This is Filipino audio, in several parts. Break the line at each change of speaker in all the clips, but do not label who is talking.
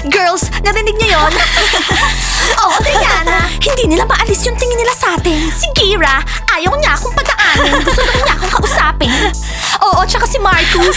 Girls, narinig niyo yon? Oo, Diana. Hindi nila maalis yung tingin nila sa atin. Si Kira, ayaw niya akong padaanin. Gusto lang niya akong kausapin. Oo, tsaka si Marcus.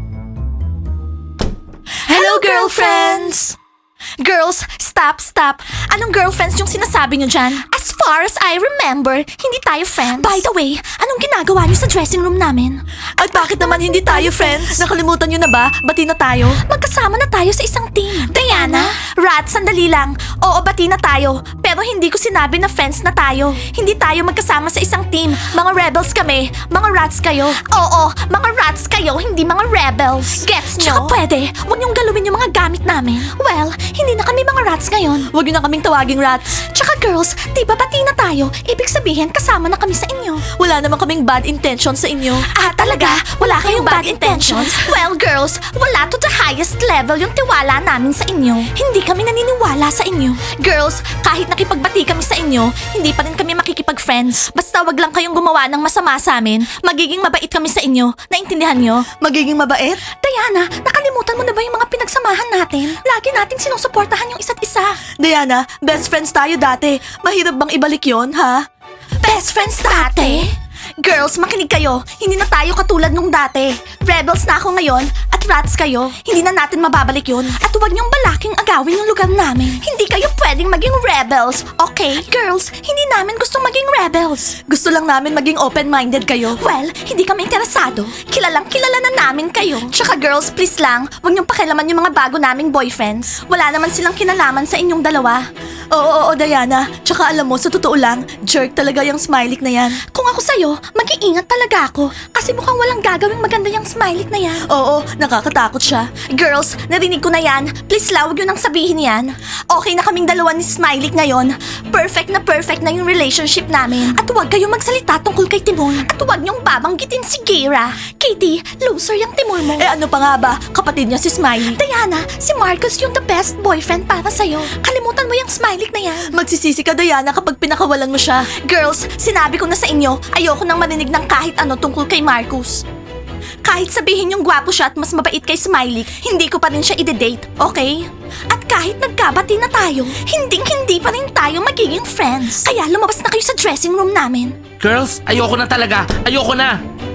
Hello, girlfriends! Girls, stop. Anong girlfriends yung sinasabi niyo dyan? As far as I remember, hindi tayo friends. By the way, anong ginagawa niyo sa dressing room namin? At bakit naman hindi tayo friends? Nakalimutan niyo na ba? Bati na tayo? Magkasama na tayo sa isang team. Diana? Rat, sandali lang. Oo, bati na tayo. Pero hindi ko sinabi na friends na tayo. Hindi tayo magkasama sa isang team. Mga rebels kami. Mga rats kayo. Oo, mga rats kayo, hindi mga rebels. Gets nyo? Tsaka pwede, huwag niyong galawin yung mga gamit namin. Well, hindi na kami mga rats ngayon. Huwag niyo na kaming tawaging rats. Tsaka girls, di ba bati na tayo? Ibig sabihin, kasama na kami sa inyo. Wala naman kaming bad intentions sa inyo. Ah, talaga? Wala kayong bad intentions? Well, girls, wala to the highest level yung tiwala namin sa inyo. Hindi kami naniniwala sa inyo. Girls, kahit nakipagbati kami sa inyo, hindi pa rin kami makikipag-friends. Basta wag lang kayong gumawa ng masama sa amin. Magiging mabait kami sa inyo. Naintindihan nyo? Magiging mabait? Diana, nakalimutan mo na ba yung mga pinagsamahan natin? Lagi nating sinusuportahan yung isa't isa. Diana, best friends tayo dati. Mahirap bang ibalik yon, ha? Best friends dati? Girls, makinig kayo. Hindi na tayo katulad nung dati. Rebels na ako ngayon at rats kayo. Hindi na natin mababalik yun. At huwag niyong balaking agawin yung lugar namin. Hindi kayo pwedeng maging rebels, okay? Girls, hindi namin gustong maging rebels. Gusto lang namin maging open-minded kayo. Well, hindi kami interesado. Kilalang kilala na namin kayo. Tsaka girls, please lang, huwag niyong pakialaman yung mga bago naming boyfriends. Wala naman silang kinalaman sa inyong dalawa. Oo, Diana. Tsaka alam mo, sa totoo lang, jerk talaga yung smiley na yan. Kung ako sa'yo, mag-iingat talaga ako. Kasi mukhang walang gagawing maganda yung smiley na yan. Oo, nakakatakot siya. Girls, narinig ko na yan. Please la, huwag yun ang sabihin yan. Okay na kaming dalawa ni Smiley ngayon. Perfect na yung relationship namin. At huwag kayong magsalita tungkol kay Timur. At huwag niyong babanggitin si Kira. Katie, loser yung Timur mo. Eh ano pa nga ba? Kapatid niya si Smiley. Diana, si Marcus yung the best boyfriend para sa'yo. Kalimutan mo yung Smiley na yan. Magsisisi ka, Diana, kapag pinakawalan mo siya. Girls, sinabi ko na sa inyo, ayoko nang marinig ng kahit ano tungkol kay Marcus. Kahit sabihin yung gwapo siya at mas mabait kay Smiley, hindi ko pa rin siya ide-date, okay? At kahit nagkabati na tayo, hindi pa rin tayo magiging friends. Kaya lumabas na kayo sa dressing room namin.
Girls, ayoko na talaga. Ayoko na.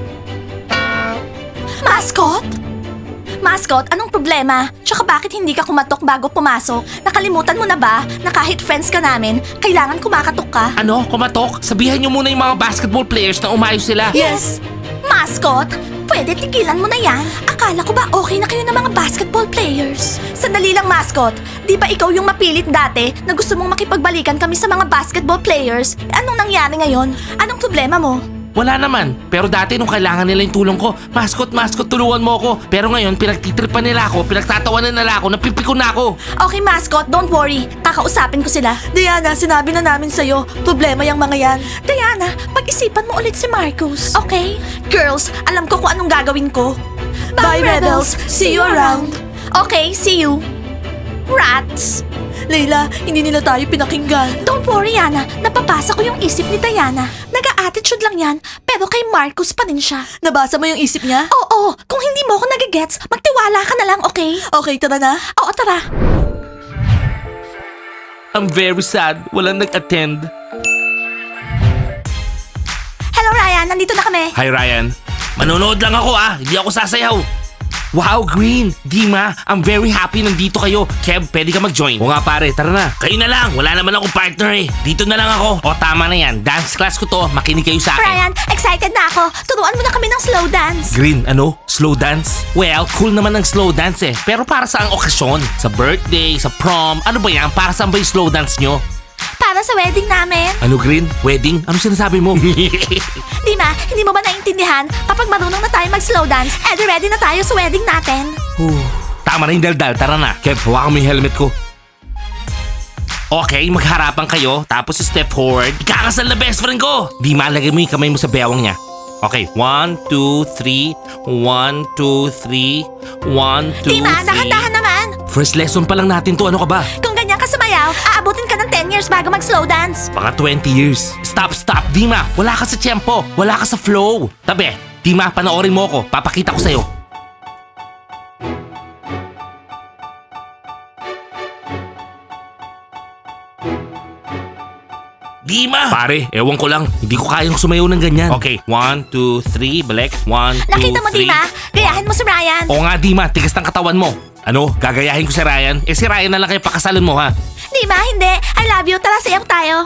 Mascot? Mascot, anong problema? Tsaka bakit hindi ka kumatok bago pumasok? Nakalimutan mo na ba na kahit friends ka namin, kailangan kumakatok ka?
Ano? Kumatok? Sabihan niyo muna yung mga basketball players na umayos sila.
Yes! Mascot, pwede tigilan mo na yan. Akala ko ba okay na kayo ng mga basketball players? Sandali lang, Mascot. Di ba ikaw yung mapilit dati na gusto mong makipagbalikan kami sa mga basketball players? Anong nangyari ngayon? Anong problema mo?
Wala naman. Pero dati nung kailangan nila yung tulong ko, mascot, tulungan mo ako. Pero ngayon, pinagtitripan nila ako, pinagtatawanan nila ako, napipiko na ako.
Okay, Mascot, don't worry. Kakausapin ko sila. Diana, sinabi na namin sa'yo, problema yung mga yan. Diana, pag-isipan mo ulit si Marcus. Okay? Girls, alam ko kung anong gagawin ko. Bye, Rebels. See you around. Okay, see you. Rats! Layla, hindi nila tayo pinakinggan. Don't worry, Yana. Napapasa ko yung isip ni Diana. Nag-a-attitude lang yan, pero kay Marcus pa rin siya. Nabasa mo yung isip niya? Oo. Kung hindi mo ako nagigets, magtiwala ka na lang, okay? Okay, tara na? Oo, tara.
I'm very sad. Walang nag-attend.
Hello, Ryan. Nandito na kami.
Hi, Ryan. Manonood lang ako Hindi ako sasayaw. Wow, Green! Dima, I'm very happy nandito kayo. Kev, pwede ka mag-join. O nga pare, tara na. Kayo na lang, wala naman akong partner Dito na lang ako. O tama na yan, dance class ko to. Makinig kayo sa akin.
Ryan, excited na ako. Turuan mo na kami ng slow dance.
Green, ano? Slow dance? Well, cool naman ng slow dance Pero para sa ang okasyon? Sa birthday, sa prom, ano ba yan? Para saan ba yung slow dance nyo?
Para sa wedding namin.
Ano, Green? Wedding? Ano sinasabi mo?
Dima, hindi mo ba naintindihan? Kapag marunong na tayo mag-slow dance, edi ready na tayo sa wedding natin.
Tama na yung daldal, tara na. Kev, hawakan mo yung helmet ko. Okay, magharapan kayo, tapos step forward. Ikakasal na best friend ko! Di malagay mo yung kamay mo sa bewang niya. Okay, 1, 2, 3, 1, 2, 3, 1, 2, 3.
Dima, dahan-dahan naman.
First lesson pa lang natin to, ano ka ba?
Kung ganyan ka sumayaw, aabutin ka ng 10 years bago mag-slow dance.
Mga 20 years. Stop, Dima. Wala ka sa tiyempo. Wala ka sa flow. Tabi, Dima, panoorin mo ako. Papakita ko sa'yo. Dima! Pare, ewan ko lang. Hindi ko kayang sumayaw ng ganyan. Okay, 1, 2, 3, balik. 1, 2, 3.
Nakita mo, Dima? Gayahin mo si Ryan.
Oo nga, Dima. Tigas ng katawan mo. Ano? Gagayahin ko si Ryan? Eh si Ryan na lang kayo pakasalan mo, ha?
Dima, hindi. I love you. Tara, sayaw tayo.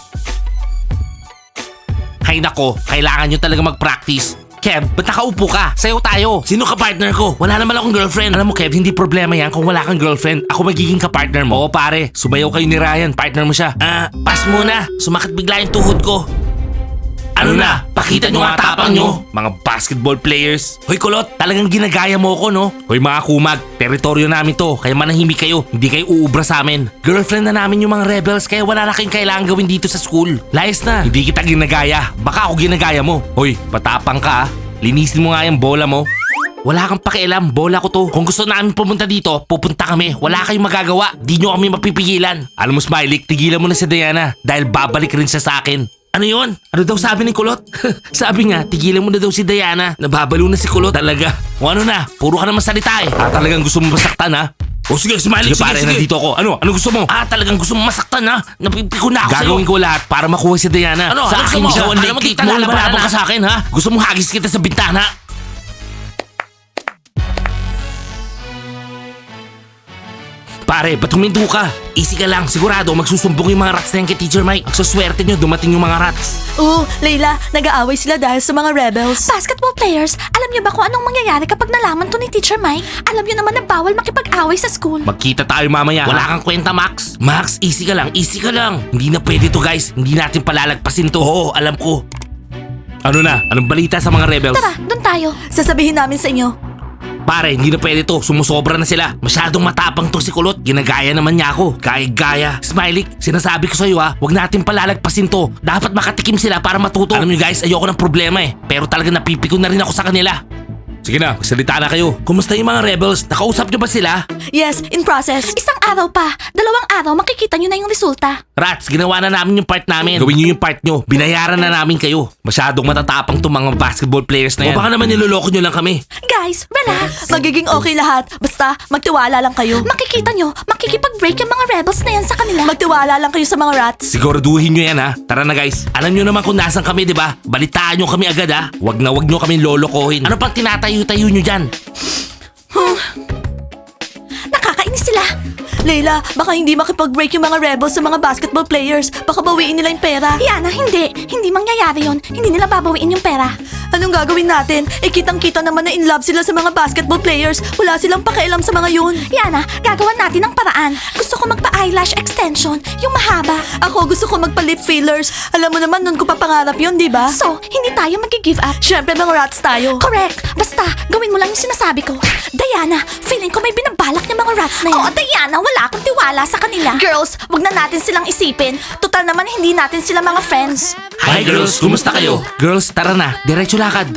Hay nako, kailangan nyo talaga mag-practice. Kev, ba't nakaupo ka? Sayaw tayo. Sino ka partner ko? Wala naman akong girlfriend. Alam mo Kev, hindi problema yan kung wala kang girlfriend. Ako magiging ka-partner mo. Oo pare, sumayaw kayo ni Ryan. Partner mo siya. Pass muna. Sumakit bigla yung tuhod ko. Ano na? Pakita nyo nga tapang nyo. Mga basketball players. Hoy Kulot, talagang ginagaya mo ko no? Hoy mga kumag, teritoryo namin to. Kaya manahimik kayo. Hindi kayo uubra sa amin. Girlfriend na namin yung mga rebels kaya wala na kayong kailangan gawin dito sa school. Layas na. Hindi kita ginagaya. Baka ako ginagaya mo. Hoy, patapang ka ah. Linisin mo nga yung bola mo. Wala kang pakialam, bola ko to. Kung gusto namin pumunta dito, pupunta kami. Wala kayong magagawa. Di nyo kami mapipigilan. Alam mo Smiley, tigilan mo na si Diana dahil babalik rin siya sa akin. Ano yun? Ano daw sabi ni Kulot? Sabi nga, tigilan mo na daw si Diana. Nababalo na si Kulot. Talaga. O ano na, puro ka naman salita eh. Talagang gusto mo masaktan ha? O sige, Smiley, sige, pare, nandito ako. Ano gusto mo? Talagang gusto mo masaktan ha? Napipiko na ako sa'yo. Gagawin ko lahat para makuha si Diana. Sa akin siya. Alam mo, kita lalaban ka sa akin ha? Gusto mo hagis kita sa bintana? Pare, ba't huminto ka? Easy ka lang, sigurado magsusumbong yung mga rats na yan kay Teacher Mike. Ang swerte nyo, dumating yung mga rats.
Oo, Layla, nag-aaway sila dahil sa mga rebels. Basketball players, alam niyo ba kung anong mangyayari kapag nalaman to ni Teacher Mike? Alam niyo naman na bawal makipag-away sa school.
Magkita tayo mamaya. Wala kang kwenta, Max. Max, easy ka lang, easy ka lang. Hindi na pwede to guys, hindi natin palalagpasin to. Oo, alam ko. Ano na? Anong balita sa mga rebels?
Tara, doon tayo. Sasabihin namin sa inyo.
Pare, hindi na pwede to. Sumusobra na sila. Masyadong matapang to si Kulot. Ginagaya naman niya ako. Gaya. Smiley, sinasabi ko sa'yo ha, huwag natin palalagpasin to. Dapat makatikim sila para matuto. Alam niyo guys, ayoko ng problema eh. Pero talaga napipiko na rin ako sa kanila. Sige na, magsalita na kayo. Kumusta yung mga rebels? Nakausap niyo ba sila?
Yes, in process. Isang araw pa. 2 araw, makikita niyo na yung resulta.
Rats, ginawa na namin yung part namin. Gawin niyo yung part niyo. Binayaran na namin kayo. Masyadong matatapang tong mga basketball players na yan. O baka naman niloloko niyo lang kami.
Guys, relax. Magiging okay lahat. Basta, magtiwala lang kayo. Makikita nyo, makikipag-break yung mga rebels na yan sa kanila. Magtiwala lang kayo sa mga rats.
Siguraduhin niyo yan ha. Tara na guys. Alam niyo naman kung nasan kami, di ba? Balitaan niyo kami agad ha. Wag niyo kami lolokohin. Ano pang tinatayo-tayo niyo dyan?
Nakakainis sila. Layla, baka hindi makipag-break yung mga rebels sa mga basketball players. Baka bawiin nila yung pera. Yana, hindi. Hindi mangyayari yon. Hindi nila babawiin yung pera. Anong gagawin natin? Eh kitang-kita naman na in love sila sa mga basketball players. Wala silang pakialam sa mga yun. Yana, gagawan natin ng paraan. Gusto ko magpa-eyelash extension, yung mahaba. Ako gusto ko magpa-lip fillers. Alam mo naman nun ko papangarap yun, di ba? So, hindi tayo mag-give up. Siyempre mga rats tayo. Correct. Basta, gawin mo lang yung sinasabi ko. Diana, feeling ko may binabalak ng mga rats na yan. Oo, Diana, wala akong tiwala sa kanila. Girls, wag na natin silang isipin. Total naman hindi natin sila mga friends.
Hi girls, kumusta kayo? Girls, tara na. Diretso lakad.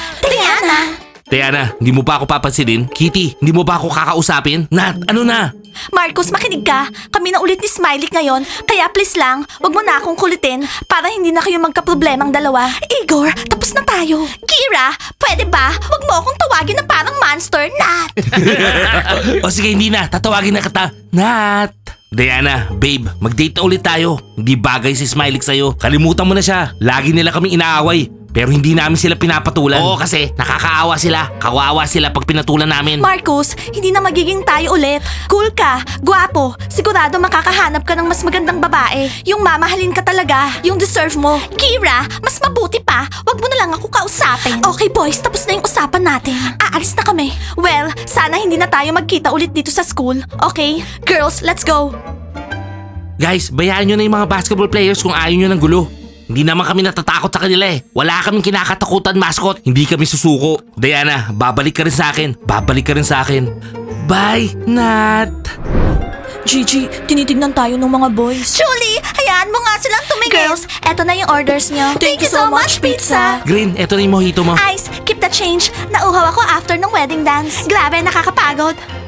Diana, hindi mo ba ako papansinin? Kitty, hindi mo ba ako kakausapin? Nat, ano na?
Marcos, makinig ka. Kami na ulit ni Smiley ngayon. Kaya please lang, wag mo na akong kulitin para hindi na kayo magka-problemang dalawa. Igor, tapos na tayo. Kira, pwede ba? Wag mo akong tawagin na parang monster, Nat.
O sige, hindi na. Tatawagin na kita. Nat. Diana, babe, mag-date na ulit tayo. Hindi bagay si Smiley sa'yo. Kalimutan mo na siya. Lagi nila kaming inaaway. Pero hindi namin sila pinapatulan. Oo, kasi nakakaawa sila. Kawawa sila pag pinatulan namin.
Marcos, hindi na magiging tayo ulit. Cool ka, gwapo, sigurado makakahanap ka ng mas magandang babae. Yung mamahalin ka talaga, yung deserve mo. Kira, mas mabuti pa, wag mo na lang ako kausapin. Okay boys, tapos na yung usapan natin. Aalis na kami. Well, sana hindi na tayo magkita ulit dito sa school. Okay? Girls, let's go.
Guys, bayaan nyo na yung mga basketball players kung ayaw nyo ng gulo. Hindi naman kami natatakot sa kanila eh. Wala kaming kinakatakutan, mascot. Hindi kami susuko. Diana, babalik ka rin sa akin. Babalik ka rin sa akin. Bye, Nat.
Gigi, tinitignan tayo ng mga boys. Julie, hayaan mo nga silang tumingin. Girls, eto na yung orders nyo. Thank you so much, pizza.
Green, eto na yung mojito mo.
Ice, keep the change. Nauhaw ako after ng wedding dance. Grabe, nakakapagod.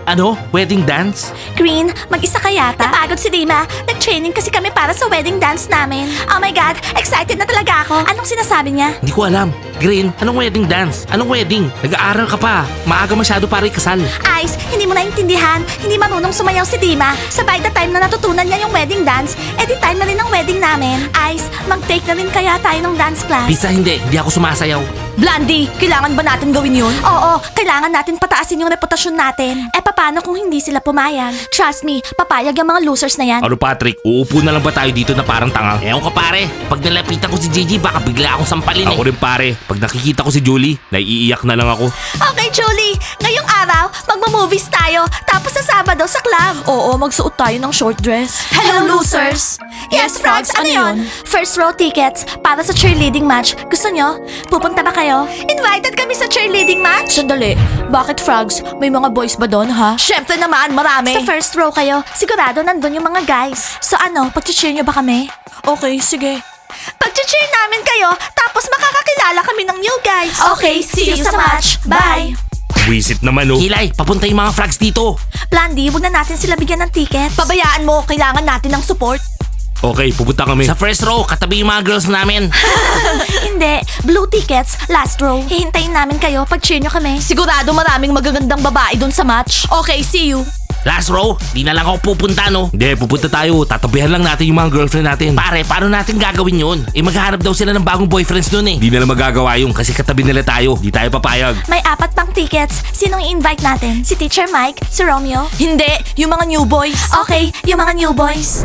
Ano? Wedding dance?
Green, mag-isa ka yata? Napagod si Dima. Nag-training kasi kami para sa wedding dance namin. Oh my God, excited na talaga ako. Anong sinasabi niya?
Hindi ko alam. Green, anong wedding dance? Anong wedding? Nag-aaral ka pa. Maaga masyado para ikasal.
Ice, hindi mo naintindihan. Hindi marunong sumayaw si Dima. Sabay the time na natutunan niya yung wedding dance, edi time na rin ang wedding namin. Ice, mag-take na rin kaya tayo ng dance class.
Pizza, hindi ako sumasayaw.
Blondie, kailangan ba natin gawin yun? Oo, kailangan natin pataasin yung reputasyon natin. Eh paano kung hindi sila pumayag? Trust me, papayag yung mga losers na yan.
Ano Patrick, uupo na lang ba tayo dito na parang tanga? Ewan ko pare, pag nalapitan ko si Gigi baka bigla akong sampalin eh. Ako rin pare, pag nakikita ko si Julie, naiiyak na lang ako.
Okay, Julie, ngayong araw, magmo-movies tayo, tapos sa Sabado sa club. Oo, magsuot tayo ng short dress. Hello, losers! Yes, Frogs, ano yun? First row tickets para sa cheerleading match. Gusto nyo? Pupunta ba kayo? Invited kami sa cheerleading match? Sandali, bakit Frogs? May mga boys ba doon, ha? Syempre naman, marami. Sa first row kayo, sigurado nandun yung mga guys. So ano, pag-cheer nyo ba kami? Okay, sige. Pag-cheer namin kayo, tapos makakakilala kami ng new guys. Okay, see you sa match. Bye!
Wisit naman oh. Kilay, papunta yung mga frogs dito.
Blondie, huwag na natin sila bigyan ng ticket. Pabayaan mo, kailangan natin ng support.
Okay, pupunta kami. Sa first row, katabi yung mga girls namin.
Hindi, blue tickets, last row. Hihintayin namin kayo pag cheer nyo kami. Sigurado maraming magagandang babae dun sa match. Okay, see you.
Last row, di na lang ako pupunta no. Hindi, pupunta tayo. Tatabihan lang natin yung mga girlfriend natin. Pare, paano natin gagawin yun? Eh maghahanap daw sila ng bagong boyfriends dun eh. Di na lang magagawa yun kasi katabi nila tayo. Di tayo papayag.
May 4 pang tickets. Sinong i-invite natin? Si Teacher Mike? Si Romeo? Hindi, yung mga new boys. Okay, yung mga new boys.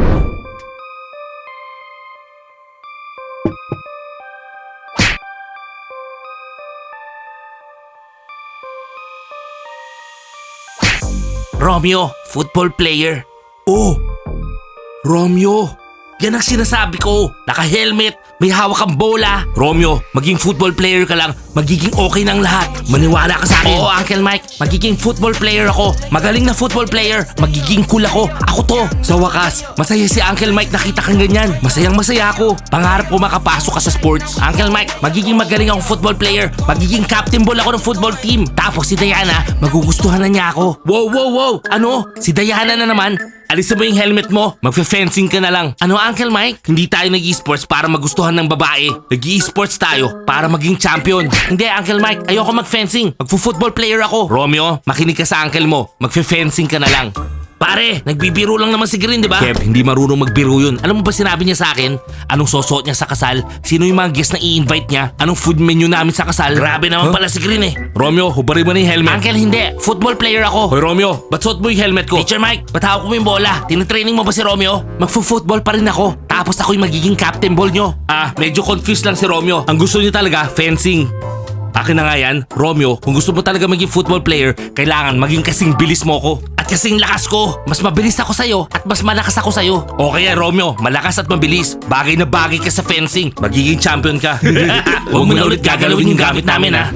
Romeo, football player. Oh, Romeo. Yan ang sinasabi ko. Naka-helmet, may hawak kang bola. Romeo, maging football player ka lang, magiging okay ng lahat. Maniwala ka sa akin. Oo, Uncle Mike, magiging football player ako. Magaling na football player, magiging cool ako. Ako to. Sa wakas, masaya si Uncle Mike nakita kang ganyan. Masayang masaya ako. Pangarap ko makapasok ka sa sports. Uncle Mike, magiging magaling akong football player. Magiging captain ball ako ng football team. Tapos si Diana, magugustuhan na niya ako. Wow. Ano? Si Diana na naman? Alisin mo yung helmet mo, magfe-fencing ka na lang. Ano Uncle Mike? Hindi tayo nag-e-sports para magustuhan ng babae. Nag-e-sports tayo para maging champion. Hindi Uncle Mike, ayoko mag-fencing. Magfo-football player ako. Romeo, makinig ka sa uncle mo. Magfe-fencing ka na lang. Pare, nagbibiro lang naman si Green, di ba? Kev, hindi marunong magbiro yun. Alam mo ba sinabi niya sa akin? Anong susuot niya sa kasal? Sino yung mga guest na i-invite niya? Anong food menu namin sa kasal? Grabe naman pala si Green eh. Romeo, hubarin mo na yung helmet. Uncle, hindi. Football player ako. Hoy Romeo, ba't suot mo yung helmet ko? Teacher Mike, ba't hawak mo yung bola? Tinitraining mo ba si Romeo? Magfo-football pa rin ako. Tapos ako yung magiging captain ball nyo. Medyo confused lang si Romeo. Ang gusto niya talaga, fencing. Akin na nga yan, Romeo, kung gusto mo talaga maging football player, kailangan maging kasing bilis mo ko. At kasing lakas ko. Mas mabilis ako sa'yo at mas malakas ako sa'yo. Okay yan, Romeo, malakas at mabilis. Bagay na bagay ka sa fencing. Magiging champion ka. Huwag mo na ulit gagalawin yung gamit namin ha.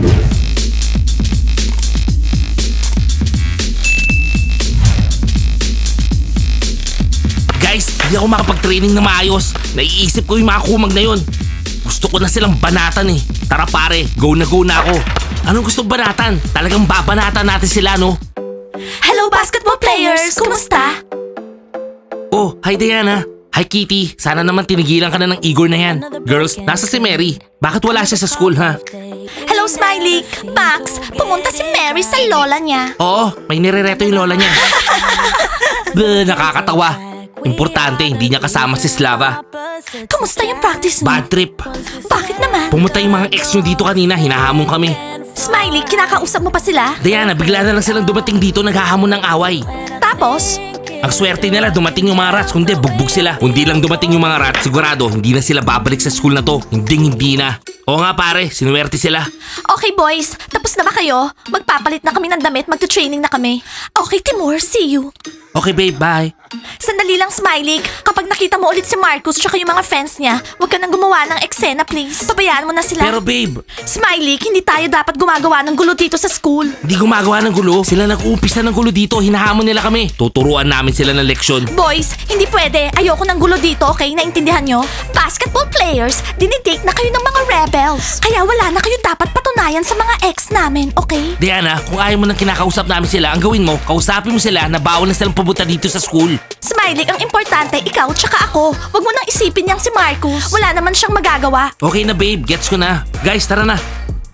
Guys, hindi ako makapag-training na maayos. Naiisip ko yung mga kumag na yun. Gusto ko na silang banatan eh. Tara pare, go na ako. Anong gusto banatan? Talagang babanatan natin sila no?
Hello basketball players! Kumusta?
Oh, hi Diana. Hi Kitty. Sana naman tinigilan ka na ng Igor na yan. Girls, nasa si Mary. Bakit wala siya sa school ha?
Hello Smiley! Max, pumunta si Mary sa lola niya.
Oo, may nirereto yung lola niya. Nakakatawa. Importante, hindi niya kasama si Slava.
Kamusta yung practice niyo?
Bad trip.
Bakit naman?
Pumunta yung mga ex nyo dito kanina, hinahamon kami.
Smiley, kinakausap mo pa sila?
Diana, bigla na lang silang dumating dito naghahamon ng away.
Tapos?
Ang swerte nila dumating yung mga rats, kundi bugbog sila. Kung di lang dumating yung mga rats, sigurado hindi na sila babalik sa school na to. Hindi na. Oo nga pare, sinuwerte sila.
Okay boys, tapos na ba kayo? Magpapalit na kami ng damit, magta-training na kami. Okay Timur, see you.
Okay babe, bye.
Sandali lang Smiley, kapag nakita mo ulit si Marcus tsaka yung mga friends niya, huwag ka nang gumawa ng eksena please. Pabayaan mo na sila.
Pero babe,
Smiley, hindi tayo dapat gumagawa ng gulo dito sa school.
hindi gumagawa ng gulo. Sila nag-uumpisa ng gulo dito, hinahamon nila kami. Tuturuan namin sila ng leksyon.
Boys, hindi pwede. Ayoko ng gulo dito, okay? Naintindihan nyo? Basketball players, dinidate na kayo ng mga rebels. rebels. Kaya wala na kayo dapat patunayan sa mga ex namin, okay?
Diana, kung ayaw mo nang kinakausap namin sila, ang gawin mo, kausapin mo sila na bawal na silang pumunta dito sa school.
Smiley, ang importante, ikaw tsaka ako. Huwag mo nang isipin yang si Marcus. Wala naman siyang magagawa.
Okay na babe, gets ko na. Guys, tara na.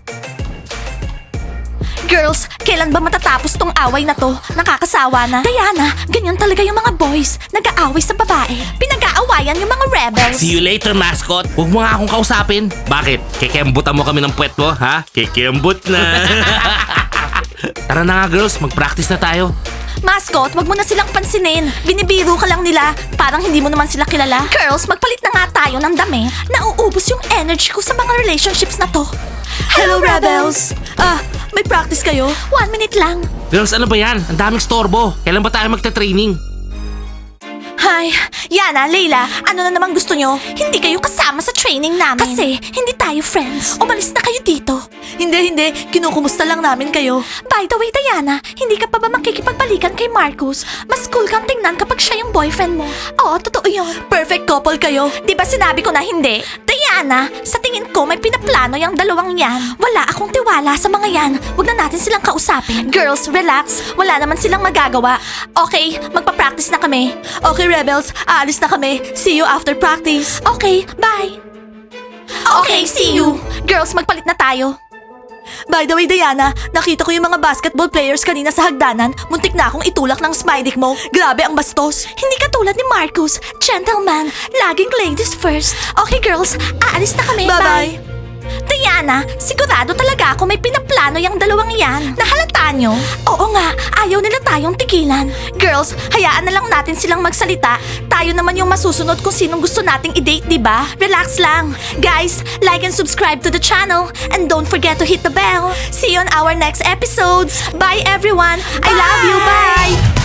Girls, kailan ba matatapos tong away na to? Nakakasawa na. Diana, ganyan talaga yung mga boys. Nag-aaway sa babae. Pinag-aawayan yung mga rebels.
See you later, mascot. Huwag mo nga akong kausapin. Bakit? Kikembutan mo kami ng puwet mo, ha? Kikembut na. Tara na nga girls, mag-practice na tayo.
Mascot, wag mo na silang pansinin. Binibiro ka lang nila. Parang hindi mo naman sila kilala. Girls, magpalit na nga tayo ng dami. Nauubos yung energy ko sa mga relationships na to. Hello, rebels! May practice kayo? 1 minute lang.
Girls, ano ba yan? Ang daming storbo. Kailan ba tayo magta-training?
Hi, Yana, Leila, ano na naman gusto nyo? Hindi kayo kasama sa training namin. Kasi hindi tayo friends. Umalis na kayo dito. Hindi. Kinukumusta lang namin kayo. By the way, Diana, hindi ka pa ba makikipagbalikan kay Marcus? Mas cool kang tingnan kapag siya yung boyfriend mo. Oo, totoo yun. Perfect couple kayo. Di ba sinabi ko na hindi? Diana, sa tingin ko may pinaplano yung dalawang yan. Wala akong tiwala sa mga yan. Huwag na natin silang kausapin. Girls, relax. Wala naman silang magagawa. Okay, magpa-practice na kami. Okay, rebels, aalis na kami. See you after practice. Okay, bye. Okay, see you. Girls, magpalit na tayo. By the way, Diana, nakita ko yung mga basketball players kanina sa hagdanan. Muntik na akong itulak ng Smiley mo. Grabe ang bastos. Hindi katulad ni Marcus. Gentleman, laging ladies first. Okay, girls, aalis na kami. Bye-bye. Diana, sigurado talaga ako may pinaplano yung dalawang yan. Nahalata nyo? Oo nga, ayaw nila tayong tigilan. Girls, hayaan na lang natin silang magsalita. Tayo naman yung masusunod kung sinong gusto nating i-date, diba? Relax lang. Guys, like and subscribe to the channel. And don't forget to hit the bell. See you on our next episodes. Bye everyone. I love you. Bye!